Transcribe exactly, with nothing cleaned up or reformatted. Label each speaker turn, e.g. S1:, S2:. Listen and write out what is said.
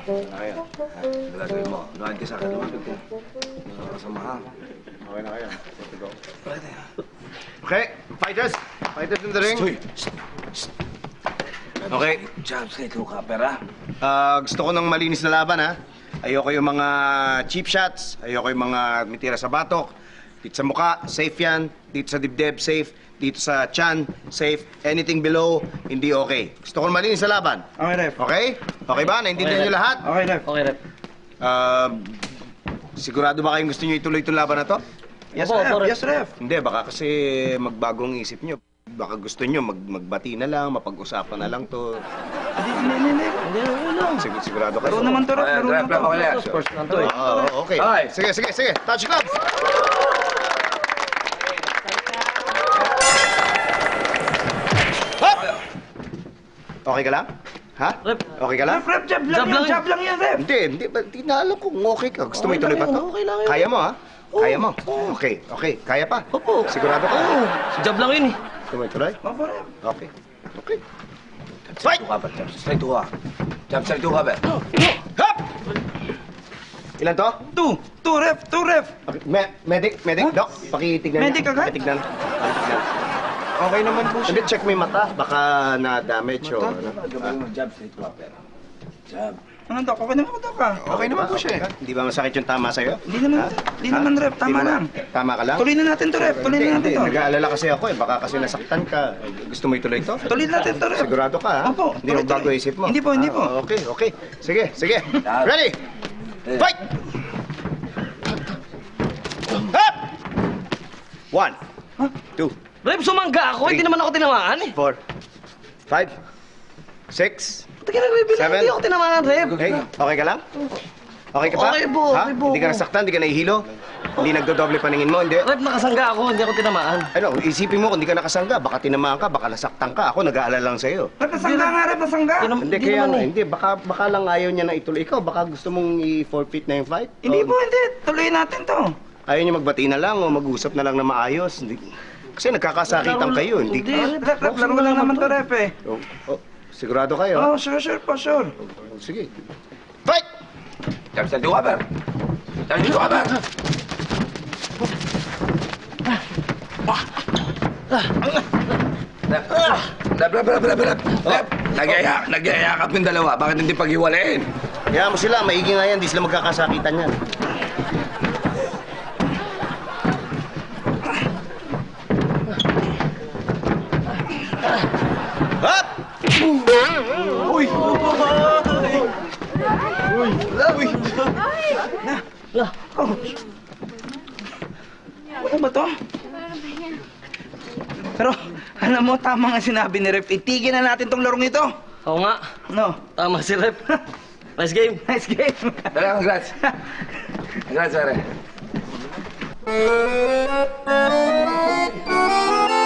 S1: Kaya. Gagawin mo. Luhaan ka sa akin. Lumapit ka. Mga kasamahan.
S2: Okay na kaya. Let's go. Okay, fighters. Fighters in the ring.
S1: Stoy!
S2: Okay.
S1: Jobs kay True Copper, ha?
S2: Ah, gusto ko ng malinis na laban, ha? Ayoko yung mga cheap shots. Ayoko yung mga mitira sa batok. Dito sa mukha, safe yan. Dito sa dibdib, safe. Dito sa tiyan, safe. Anything below, hindi okay. Gusto ko ng malinis na laban.
S3: Okay, ref.
S2: Okay? Okay ba? Naintindihan
S4: Okay,
S2: niyo lahat?
S3: Okay, ref.
S4: Okay, rep.
S2: Ah, sigurado ba kayong gusto niyo ituloy itong laban na to?
S3: Yes,
S4: Opo,
S3: ref.
S4: opo, ref.
S3: Yes, ref.
S2: Hindi, baka kasi magbagong isip niyo. Baka gusto niyo mag magbati na lang, mapag-usapan na lang to.
S3: Hindi, hindi, hindi.
S4: Hindi, okay lang.
S2: Sig- sigurado kayo.
S3: Laro naman to, ref.
S1: Okay,
S3: Laro
S1: ref,
S3: naman
S1: ref,
S3: to.
S1: okay na.
S4: Sports lang to eh.
S2: Oo, okay.
S1: Okay.
S2: Sige, sige, sige. Touch gloves! Hop! Okay ka lang? Ha?
S4: Rep.
S2: Okay ka lang?
S3: Ref, ref, jab lang
S4: Jab
S3: yan.
S4: lang
S3: Jab lang yan, ref.
S2: Hindi, hindi. ba- Hindi na alam kung okay ka. Gusto mo
S4: Okay
S2: ituloy
S4: lang
S2: pa to?
S4: yun, okay lang yun.
S2: Kaya mo, ha?
S4: Oo,
S2: Kaya mo?
S4: oo.
S2: Okay, okay. Kaya pa?
S4: Opo.
S2: Sigurado ka?
S4: Oo. Jab lang yun eh.
S2: Gusto mo ituloy?
S3: Opo, ref.
S2: Okay. Okay.
S1: Fight! True Copper, jobs straight to, ha? Jobs straight to, Copper.
S2: Hop! Ilan to?
S3: Two. Two, ref. Two, ref.
S2: Okay. Me medic, medic, doc. Pakitignan
S3: Medic
S2: niya.
S3: agad?
S2: Pakitignan. Pakitignan.
S3: Okay naman po
S2: Hindi, check mo yung mata. Baka na-damage o ano.
S1: Gagawin mo, jobs straight to, Copper. Job.
S3: Ano, Dok? Okay naman po, Dok, ah.
S2: Okay naman po siya. Hindi ba masakit yung tama sa'yo?
S3: Hindi naman,
S2: Ha?
S3: hindi
S2: Ha?
S3: naman, ref. Tama
S2: Hindi
S3: lang.
S2: naman? Tama ka lang?
S3: Tuloy na natin to, ref. Tuloy
S2: Hindi,
S3: na natin
S2: hindi.
S3: to.
S2: Nag-aalala kasi ako eh. Baka kasi nasaktan ka. Gusto mo ituloy to?
S3: Tuloy natin to, ref.
S2: Sigurado ka, ha?
S3: Opo,
S2: Hindi mo
S3: tuloy,
S2: bago
S3: tuloy.
S2: isip mo?
S3: Hindi po, hindi
S2: Ah,
S3: po.
S2: Okay, okay. Sige, sige.
S1: Dad.
S2: Ready?
S1: Eh.
S2: Fight! Hop! One, two,
S4: Rep, sumangga ako. Hindi naman ako tinamaan eh.
S2: four, five, six,
S4: Ba't ka nagbibilang?
S2: Seven.
S4: Hindi ako tinamaan, Rep.
S2: hey, okay ka lang? Okay ka pa?
S4: Okay po,
S2: Ha?
S4: okay po.
S2: Hindi ka nasaktan, hindi ka nahihilo? Hindi nagdodoble paningin mo, hindi?
S4: Rep, nakasangga ako. Hindi ako tinamaan.
S2: Ano, isipin mo kung hindi ka nakasangga, baka tinamaan ka, baka nasaktan ka. Ako nag-aalala lang sa'yo.
S3: Ref, nasangga nga, ref. Nasangga.
S4: Hindi naman-
S2: Hindi, kaya
S4: naman
S2: nga,
S4: eh.
S2: hindi. Baka, baka lang ayaw niya na ituloy. Ikaw, baka gusto mong i-forfeit na yung fight?
S3: Hindi
S2: O,
S3: po, hindi. Tuloy natin to.
S2: Ayaw niya magbati na lang o mag-usap na lang na maayos. Hindi, kasi nagkakasakitan
S4: Laro-
S2: kayo. Hindi,
S4: Hindi,
S3: Ref, ref, ref. Laro lang naman to, ref, eh.
S2: Oh, oh, sigurado kayo?
S3: Oh, sure, sure po, sure.
S2: Oh, sige. Fight!
S1: Jobs straight to, Copper. Jobs straight to, Copper. Rep, rep, rep, rep, rep, rep. Rep, nagyaya, nagyayakap yung dalawa. Bakit hindi paghiwalayin?
S2: Kaya mo sila, maigi nga yan. Di sila magkakasakitan yan. Hop! Uy! Uy!
S4: Lah,
S3: Ano ba to? Pero, alam mo, tama nga sinabi ni Ref. Itigil na natin tong larong ito.
S4: oo nga.
S3: No?
S4: Tama si Rep. Nice game.
S3: Nice game.
S1: Dala, congrats. Congrats, pare.